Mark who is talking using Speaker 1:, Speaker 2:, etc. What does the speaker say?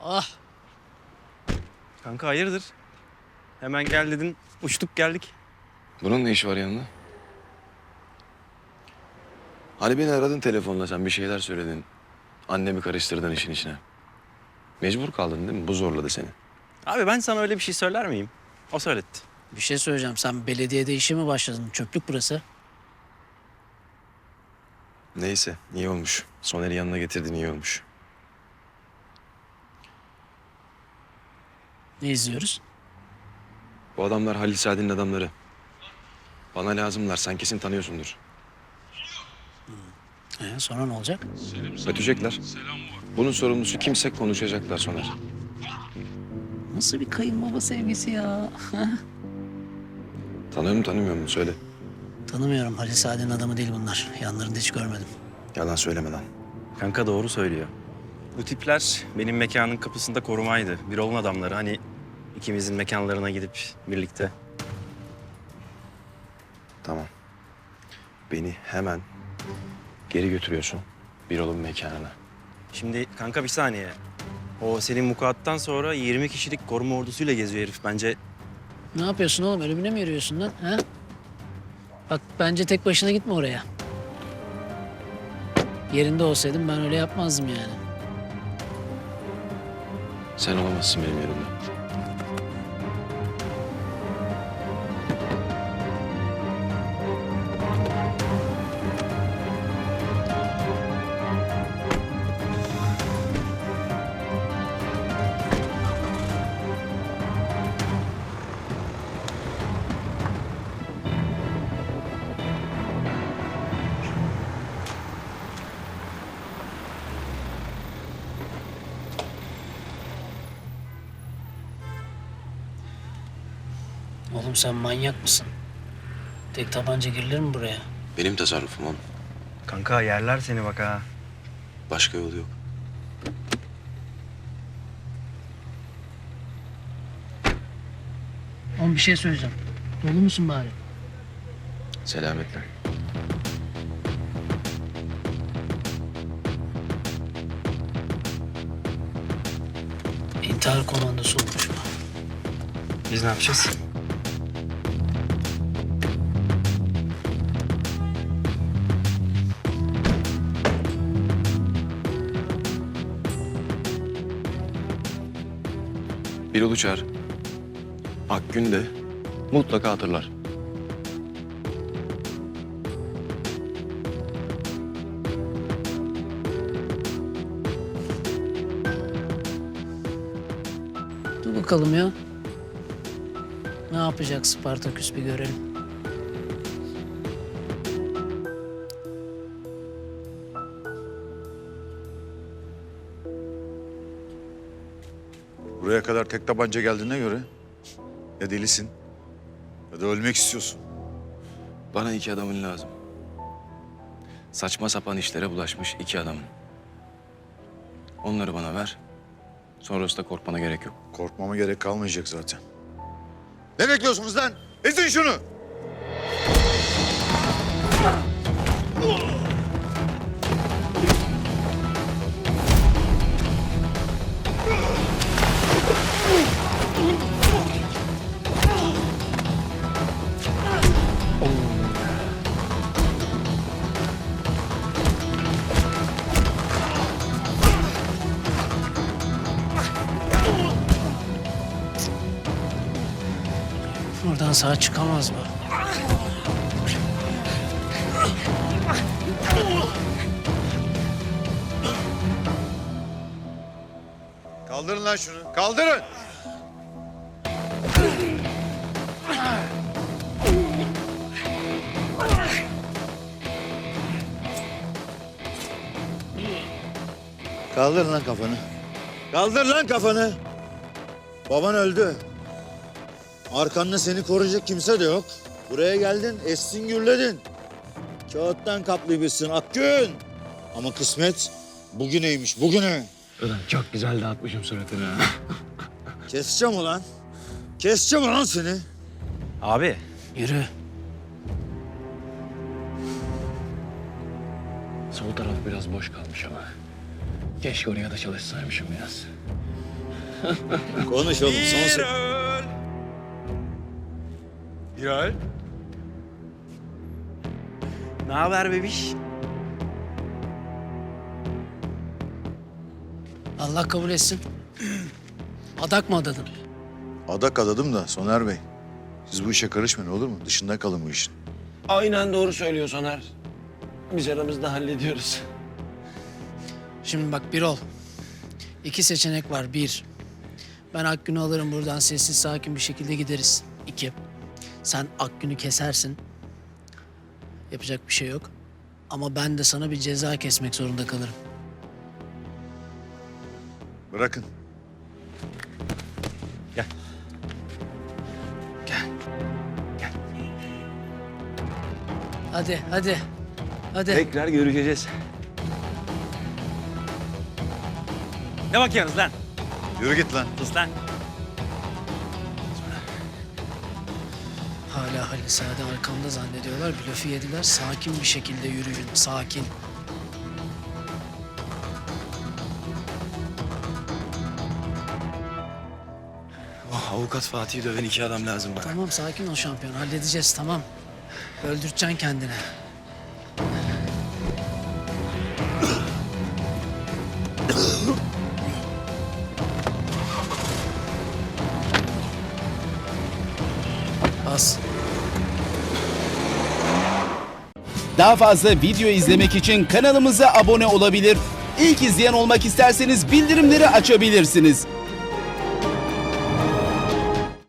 Speaker 1: Ah,
Speaker 2: Kanka hayırdır? Hemen gel dedin, uçtuk geldik.
Speaker 3: Bunun ne işi var yanında? Hani beni aradın telefonla, sen bir şeyler söyledin. Annemi karıştırdın işin içine. Mecbur kaldın değil mi? Bu zorladı seni.
Speaker 2: Abi ben sana öyle bir şey söyler miyim? O söyletti.
Speaker 1: bir şey söyleyeceğim. Sen belediyede işe mi başladın? Çöplük burası.
Speaker 3: Neyse, iyi olmuş. Soner'i yanına getirdin, iyi olmuş.
Speaker 1: Ne izliyoruz?
Speaker 3: Bu adamlar Halil Saad'in adamları. Bana lazımlar, sen kesin tanıyorsundur.
Speaker 1: Sonra ne olacak?
Speaker 3: Ötecekler. Bunun sorumlusu kimse konuşacaklar Soner.
Speaker 1: Nasıl bir kayınbaba sevgisi ya?
Speaker 3: Tanıyor mu tanımıyor mu? Söyle.
Speaker 1: Tanımıyorum. Halil Saad'in adamı değil bunlar. Yanlarında hiç görmedim.
Speaker 3: Yalan söyleme lan.
Speaker 2: Kanka doğru söylüyor. Bu tipler benim mekanın kapısında korumaydı. Birol'un adamları hani ikimizin mekanlarına gidip birlikte.
Speaker 3: Tamam. Beni hemen geri götürüyorsun Birol'un mekanına.
Speaker 2: Şimdi kanka bir saniye. O senin vukuattan sonra 20 kişilik koruma ordusuyla geziyor herif. Bence
Speaker 1: Ne yapıyorsun oğlum? Ölümüne mi yürüyorsun lan? Ha? Bak bence tek başına gitme oraya. Yerinde olsaydım ben öyle yapmazdım yani.
Speaker 3: Sen olamazsın benim yerimde.
Speaker 1: Oğlum sen manyak mısın? Tek tabanca girilir mi buraya?
Speaker 3: Benim tasarrufum oğlum.
Speaker 2: kanka yerler seni bak ha.
Speaker 3: Başka yolu yok.
Speaker 1: Oğlum bir şey söyleyeceğim. Dolu musun bari?
Speaker 3: Selametle.
Speaker 1: İntihar komandosu olmuş bu.
Speaker 2: Biz ne yapacağız?
Speaker 3: Birol'u çağır. Akgün de mutlaka hatırlar.
Speaker 1: Dur bakalım ya. Ne yapacak Spartaküs bir görelim.
Speaker 4: Buraya kadar tek tabanca geldiğine göre ya delisin ya da ölmek istiyorsun.
Speaker 3: Bana iki adamın lazım. Saçma sapan işlere bulaşmış iki adamın. Onları bana ver. Sonrasında korkmana gerek yok.
Speaker 4: Korkmama gerek kalmayacak zaten. Ne bekliyorsunuz lan? Ezin şunu!
Speaker 1: Buradan sağ çıkamaz mı?
Speaker 4: Kaldırın lan şunu. Kaldırın! Kaldır lan kafanı. Kaldır lan kafanı. Baban öldü. Arkanda seni koruyacak kimse de yok. Buraya geldin, essin gürledin. Kağıttan kaplıymışsın Akgün. Ama kısmet bugüneymiş, bugüne.
Speaker 3: Ulan çok güzel dağıtmışım suratını.
Speaker 4: Keseceğim ulan. Keseceğim ulan seni.
Speaker 2: Abi
Speaker 1: Yürü.
Speaker 3: Sol taraf biraz boş kalmış ama. Keşke oraya da çalışsaymışım biraz.
Speaker 4: Konuş oğlum son
Speaker 2: Birol. Ne haber bebiş?
Speaker 1: Allah kabul etsin. Adak mı adadın?
Speaker 4: Adak adadım da Soner Bey. Siz bu işe karışmayın olur mu? Dışında kalın bu işin.
Speaker 3: Aynen doğru söylüyor Soner. Biz aramızda hallediyoruz.
Speaker 1: Şimdi bak Birol. İki seçenek var. Bir, ben Akgün'ü alırım buradan sessiz sakin bir şekilde gideriz. İki, sen Akgün'ü kesersin. Yapacak bir şey yok. Ama ben de sana bir ceza kesmek zorunda kalırım.
Speaker 4: Bırakın.
Speaker 2: Gel.
Speaker 1: Hadi, hadi. Hadi.
Speaker 3: Tekrar görüşeceğiz.
Speaker 2: Ne bakıyorsunuz lan?
Speaker 4: Yürü git lan.
Speaker 2: Sus lan.
Speaker 1: Hala Halil Sade arkamda zannediyorlar. Blöfü yediler. Sakin bir şekilde yürüyün. Sakin.
Speaker 3: Oh, avukat Fatih'i döven iki adam lazım bana.
Speaker 1: Tamam sakin ol şampiyon. Halledeceğiz tamam. Öldüreceksin kendini. Bas.
Speaker 5: Daha fazla video izlemek için kanalımıza abone olabilir. İlk izleyen olmak isterseniz bildirimleri açabilirsiniz.